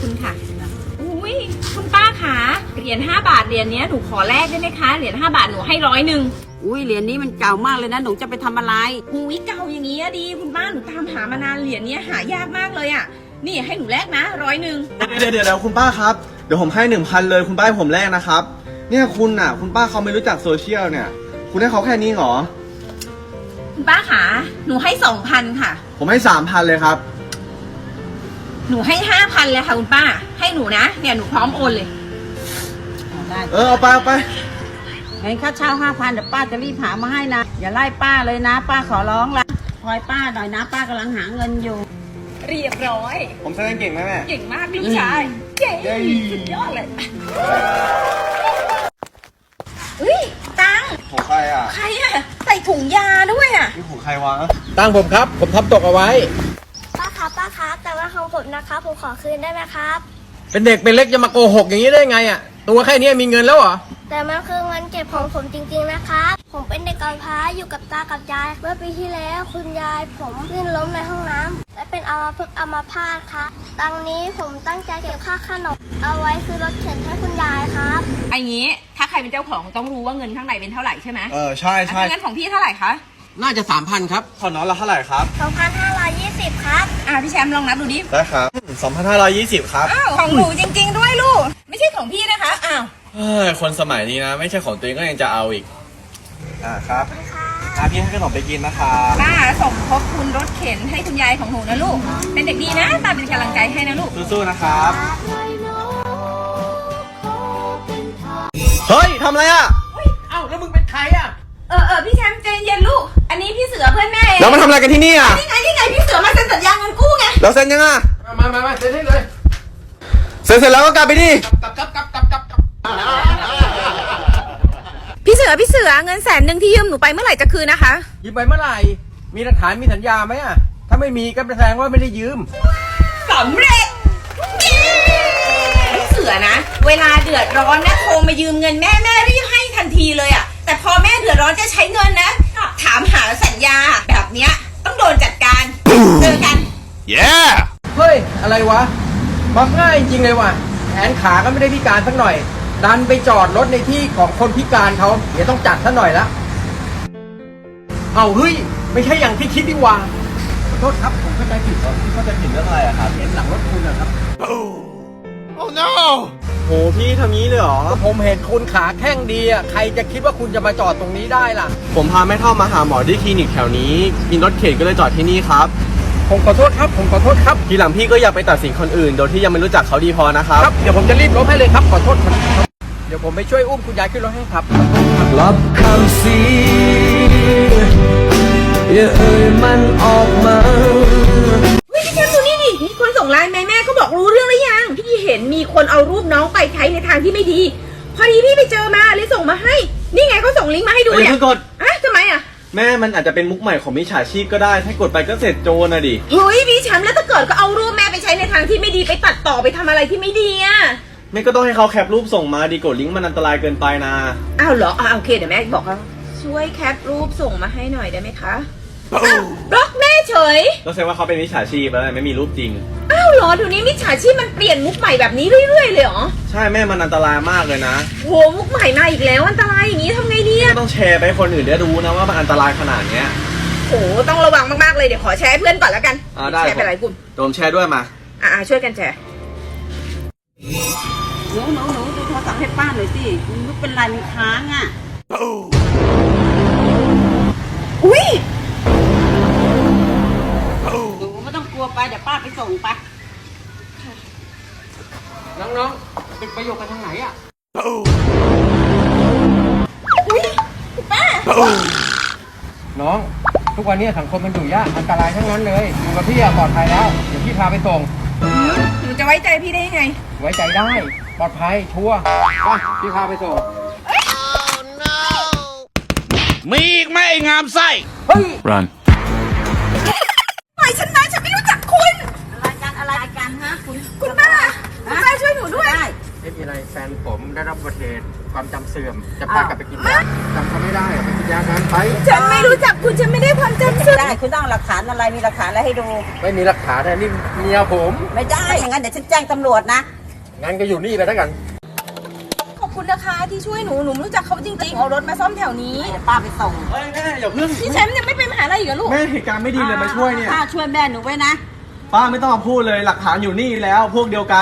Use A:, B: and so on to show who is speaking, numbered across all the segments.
A: คุณค่ะอุ้ยคุณป้าขาเหรียญ5 บาทเหรียญนี้หนูขอแลกได้ไหมคะเหรียญ5 บาทหนูให้100
B: อุ้ยเหรียญนี้มันเก่ามากเลยนะหนูจะไปทำอะไร
A: หูยเก่าอย่างนี้ดีคุณป้าหนูตามหามานานเหรียญนี้หายากมากเลยอ่ะนี่ให้หนูแลกนะ100
C: เดี๋ยวคุณป้าครับเดี๋ยวผมให้ 1,000เลยคุณป้าให้ผมแลกนะครับเนี่ยคุณป้าเขาไม่รู้จักโซเชียลเนี่ยคุณให้เขาแค่นี้เหรอ
A: คุณป้าขาหนูให้2,000ค่ะ
C: ผมให้ 3,000เลยครับ
A: หนูให้5,000เลยค่ะคุณป้าให้หนูนะเนี่ยหนูพร้อมโอนเลย
B: ได้
C: เอาไป
B: งั้นค่าเช่า5,000เดี๋ยวป้าจะรีบหามาให้นะอย่าไล่ป้าเลยนะป้าขอร้องละคอยป้าหน่อยนะป้ากำลังหาเงินอยู่
A: เรียบร้อย
C: ผมแสดงเก่งไหมแม่
A: เก่งมากลูกชายเก่งสุดยอดเลยอุ้ยตัง
C: ของใครอ่ะ
A: ใครอ่ะใส่ถุงยาด้วยอ่ะ
C: นี่ของใครวะ
D: ตังผมครับผมทำตกเอาไว้
E: ป้าครับแต่ว่าของผมนะครับผมขอคืนได้ไหมครับ
D: เป็นเด็กเป็นเล็กจะมาโกหกอย่างนี้ได้ไงอ่ะตัวแค่นี้มีเงินแล้วเหรอ
E: แต่มันคือเงินเก็บของผมจริงๆนะครับผมเป็นเด็กกำพร้าอยู่กับตากับยายเมื่อปีที่แล้วคุณยายผมลื่นล้มในห้องน้ำและเป็นอัมพาตครับตังนี้ผมตั้งใจเก็บค่าขนมเอาไว้ซื้อรถเข็นให้คุณยายครับ
A: ไอ้งี้ถ้าใครเป็นเจ้าของต้องรู้ว่าเงินข้างในเป็นเท่าไหร่ใช่ไหม
C: ใช่
A: เงินของพี่เท่าไหร่คะ
D: น่าจะ 3,000 ครับ
C: ของน้องเราเท่าไหร่ครับ
E: 2,520ครับ
A: พี่แชมป์ลองนับดูดิ
C: ได้ครับ2,520ครับ
A: อ้าวของหนูจริงๆด้วยลูกไม่ใช่ของพี่นะคะอ้าว
C: คนสมัยนี้นะไม่ใช่ของตัวเองก็ยังจะเอาอีกครับพี่ให้ขนมไปกินนะครับ
A: ป้าสมทบทุนรถเข็นให้คุณยายของหนูนะลูกเป็นเด็กดีนะตาเป็นกำลังใจให้นะลูก
C: สู้ๆนะครับเฮ้ยทำอะไรอ่ะ
D: เอ้าแล้วมึงเป็นใครอ่ะ
A: พี่แชมป์ใจเย็นลูกอันนี้พี่เสือเพื่อนแม่
C: แล้วมาทำอะไรกันที่นี่อ่ะ
A: นี่ไงพี่เสือมาเซ็นสัญญาเงินกู้ไง
C: แล้วเซ็นยังอ่ะ
D: มาเซ็นให้เลย
C: เซ็นเสร็จแล้วก็กลับไปดิ
D: กลับ
A: พี่เสือเงิน100,000ที่ยืมหนูไปเมื่อไหร่จะคืนนะคะ
D: ยืมไปเมื่อไหร่มีหลักฐานมีสัญญาไหมอ่ะถ้าไม่มีก็แสดงว่าไม่ได้ยืม
A: สำเร็จพี่เสือนะเวลาเดือดร้อนนะโทรมายืมเงินแม่รีบให้ทันทีเลยอ่ะแต่พอแม่เดือดร้อนจะใช้เงินนะถามหาสัญญาแบบเนี้ยต้องโดนจัดการเจอกัน
D: เฮ้ยอะไรวะมักง่ายจริงเลยว่ะแขนขาก็ไม่ได้พิการสักหน่อยดันไปจอดรถในที่ของคนพิการเขาเดี๋ยวต้องจัดซะหน่อยละเอาเฮ้ยไม่ใช่อย่างที่คิดดีว่าขอโทษครับผมเข้าใจผิด
C: เข้าใจผิดเรื่องอะไรอะครับ
D: เห็นหลังรถคุณนะครับ
C: Oh no โหพี่ทำนี้เลยเหรอ
D: ผมเห็นคุณขาแข้งดีอ่ะใครจะคิดว่าคุณจะมาจอดตรงนี้ได้ล่ะ
C: ผมพาแม่เท่ามาหาหมอที่คลินิกแถวนี้มีรถเข็นก็เลยจอดที่นี่ครับ
D: ผมขอโทษครับ
C: ทีหลังพี่ก็อย่าไปตัดสินคนอื่นโดยที่ยังไม่รู้จักเขาดีพอนะครับ
D: เดี๋ยวผมจะรีบลบให้เลยครับขอโทษครับเดี๋ยวผมไปช่วยอุ้มคุณยายขึ้นรถให้ครับ
F: รับคำสีอย่าเอ่ยมันออกมา
A: พี่แชมป์ดูนี่ดิมีคนส่งไลน์แม่ก็บอกรู้เรื่องหรือยังพี่เห็นมีคนเอารูปน้องไปใช้ในทางที่ไม่ดีพอดีพี่ไปเจอมาเลยส่งมาให้นี่ไงเขาส่งลิงก์มาให้ดูเนี่ย
C: กด
A: ทำไมอ่ะ
C: แม่มันอาจจะเป็นมุกใหม่ของมิจฉาชีพก็ได้ถ้ากดไปก็เสร็จโจรนะดิ
A: เฮ้ยพี่แชมป์แล้วถ้าเกิดก็เอารูปแม่ไปใช้ในทางที่ไม่ดีไปตัดต่อไปทำอะไรที่ไม่ดีอ่ะ
C: แม่ก็ต้องให้เขาแคปรูปส่งมาดีกดลิงก์มันอันตรายเกินไปนะ
A: อ้าวเหรอโอเคเดี๋ยวแม่บอกเขาช่วยแคปรูปส่งมาให้หน่อยได้ไหมคะบล็อกแม่เฉย
C: ก็แสดงว่าเขาเป็นมิจฉาชีพแล้วไม่มีรูปจริง
A: อ้าวเหรอเดี๋ยวนี้มิจฉาชีพมันเปลี่ยนมุกใหม่แบบนี้เรื่อยๆเลยเหรอ
C: ใช่แม่มันอันตรายมากเลยนะ
A: โหมุกใหม่มาอีกแล้วอันตรายอย่างนี้ทำไงดีอะ
C: ต้องแชร์ไปให้คนอื่นได้รู้นะว่ามันอันตรายขนาดเนี้ย
A: โหต้องระวังมากๆเลยเดี๋ยวขอแชร์ให้เพื่อนก่อนแล้วกัน
C: ได้
A: แชร์ไปหลายกลุ่ม
C: โดมแชร์ด้วยมา
A: ช่วยกันแชร์
B: หนูดูโทรศัพท์ให้ป้าหน่อยสิมันเป็นไรมันค้างอ่ะ
A: อุ้ย
B: หนูไม่ต้องกลัวไปเดี๋ยวป้าไปส่งไป
D: น้องๆเป็นประโยชน์กันทางไหนอ่ะ
A: อุ้ยป้า
D: น้องทุกวันนี้สังคมมันอยู่ยากอันตรายทั้งนั้นเลยอยู่กับพี่ปลอดภัยแล้วเดี๋ยวพี่พาไปส่ง
A: หนูจะไว้ใจพี่ได้ยังไง
D: ไว้ใจได้ปลอดภัยชัวร์พี่พาไปส่ง
F: มีอีกไหมไอ้งามไส้
D: เฮ้ย
F: Run
A: ปล่อยฉันนะฉันไม่รู้จักคุณ
B: อะไรกันฮะ
A: คุณป้าช่วยหนูด้วย
D: ไม่มีอะไรแฟนผมได้รับบบัติเหตุความจำเสื่อมจะพากลับไปกินยาจำเขาไม่ได้ไปกินยากันไป
A: ฉันไม่รู้จักคุณฉันไม่ได้ความจำเสื่อม
B: ได้คุณต้องเอาหลักฐานอะไรมีหลักฐานอะไรให้ดู
D: ไม่มีหลักฐานนะนี่เมียผม
B: ไม่ได้อย่างนั้นเดี๋ยวฉันแจ้งตำรวจนะ
D: งั้นก็อยู่นี่ไปแล้วกัน
A: ขอบคุณนะคะที่ช่วยหนูไม่รู้จักเขาจริงๆเอารถมาซ่อมแถวนี้
B: เดี๋ยวป้าไปส่ง
C: เฮ้ยแม่อย่าเพิ่ง
A: ที่ฉันยังไม่ไปมหาลัยอีกเหรอลูก
C: แม่เหตุการณ์ไม่ดีเลยมาช่วยเนี่ย
B: ป้าช่วยแม่หนูไว้นะ
C: ป้าไม่ต้องมาพูดเลยหลักฐานอยู่นี่แล้วพวกเดียวกัน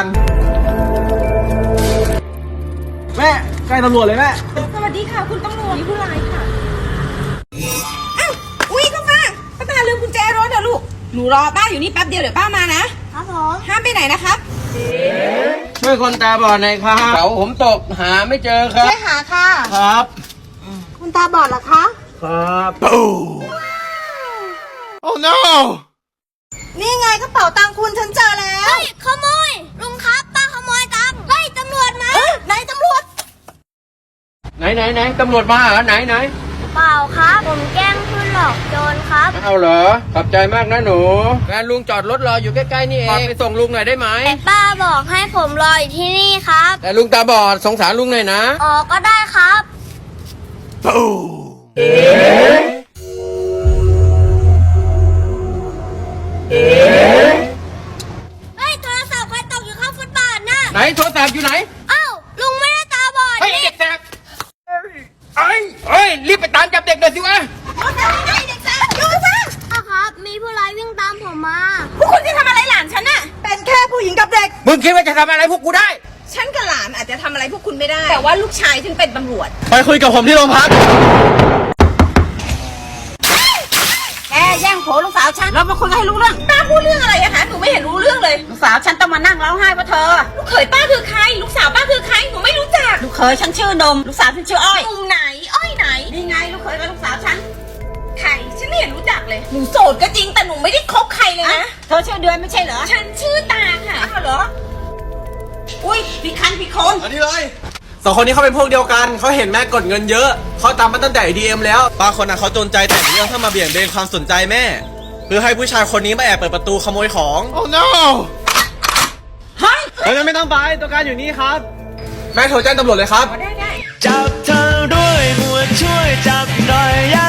C: แม่ใกล้ตำรวจเลยแม่
A: สวัสดีค่ะคุณตำรวจนี่ผู้ร้ายค่ะอ้าวอุ้ยเข้ามาป้าตาลืมกุญแจรถเหรอลูกหนูรอป้าอยู่นี่แป๊บเดียวเดี๋ยวป้ามานะครับ
E: ผม
A: ห้ามไปไหนนะครับ
D: ช่วยคนตาบอดหน่อยครับเสาผมตกหาไม่เจอครับ
A: ช่วยหาค่ะ
C: ครับ
A: คุณตาบอดเหรอคะ
D: ครับ
C: Oh no
A: นี่ไงกระเป๋าตังค์คุณฉันเจอแล้ว
E: เฮ้ยขโมยลุงครับป้าขโมยตังค์เฮ้ยตำรวจมา
A: ไหนตำรวจ
D: ไหนตำรวจมาเหรอไหน
E: เปล่าครับผมแกล้งเพื่อนหลอกโจรครับ
D: เอาเหรอขอบใจมากนะหนูแฟนลุงจอดรถรออยู่ใกล้ๆนี่เองไปส่งลุงหน่อยได้ไหม
E: แต่ป้าบอกให้ผมรออยู่ที่นี่ครับ
D: แต่ลุงตาบอดสงสารลุงหน่อยนะ
E: อ๋อก็ได้ครับ เฮ้ยโทรศัพท์ใครตกอยู่ข้างฟุตบาทน่ะ
D: ไหนโทรศัพท์อยู่ไหน
E: เอ้าลุงไม่ได้ตาบอด
D: เฮ้ย
E: นี่
D: เด็กแสบเอ้ยรีบไปตามจับเด็กเลยสิวะ
A: ป้า
E: ครับ มีผู้ร้ายวิ่งตามผมมา
A: พวกคุณจะทำอะไรหลานฉันน่ะ เป็นแค่ผู้หญิงกับเด็ก
D: มึงคิดว่าจะทำอะไรพวกกูได้
A: ฉันกับหลานอาจจะทำอะไรพวกคุณไม่ได้ แต่ว่าลูกชายฉันเป็นตำรวจ
C: ไปคุยกับผมที่โรงพัก
B: แกแย่งโผลูกสาวฉันเรามาคุยกันให้รู้เรื่อง
A: ป้าพูดเรื่องอะไรอะคะ หนูไม่เห็นรู้เรื่องเลย
B: ลูกสาวฉันต้องมานั่งร้องไห้เพราะเธอ
A: ลูกเขยป้าคือใคร ลูกสาวป้าคือใคร หนูไม่รู้จัก
B: ลูกเขยฉันชื่อนม ลูกสาวฉันชื่ออ้อย
A: กลุ่มไหน อ้อยไหน
B: นี่ไงลูกเขยกับลูกสาวฉัน
A: ใคร ฉันไม่เห็นรู้จักเลย หนูโสดก็จริง แต่หนูไม่ได้คบใครเลยนะ
B: เธอชื่อเดือนไม่ใช่เหรอ
A: ฉันชื่อตาค่ะ
B: อ้าวเหรอ อุ้ยพี่คันพี่คน
C: อันนี้เลยสองคนนี้เขาเป็นพวกเดียวกัน เขาเห็นแม่กดเงินเยอะ เขาตามมาตั้งแต่ ATM แล้วป้าคนนั้นเขาจนใจแต่งเรื่องเพื่อมาเบี่ยงเบนความสนใจแม่ เพื่อให้ผู้ชายคนนี้มาแอบเปิดประตูขโมยของ Oh no
B: เฮ้ย
C: เฮ้ยไม่ต้องไปตัวการอยู่นี่ครับ แม่โทรแจ้งตำรวจเลยครับ
F: จับเธอด้วยหัวช่วยจับหน่อย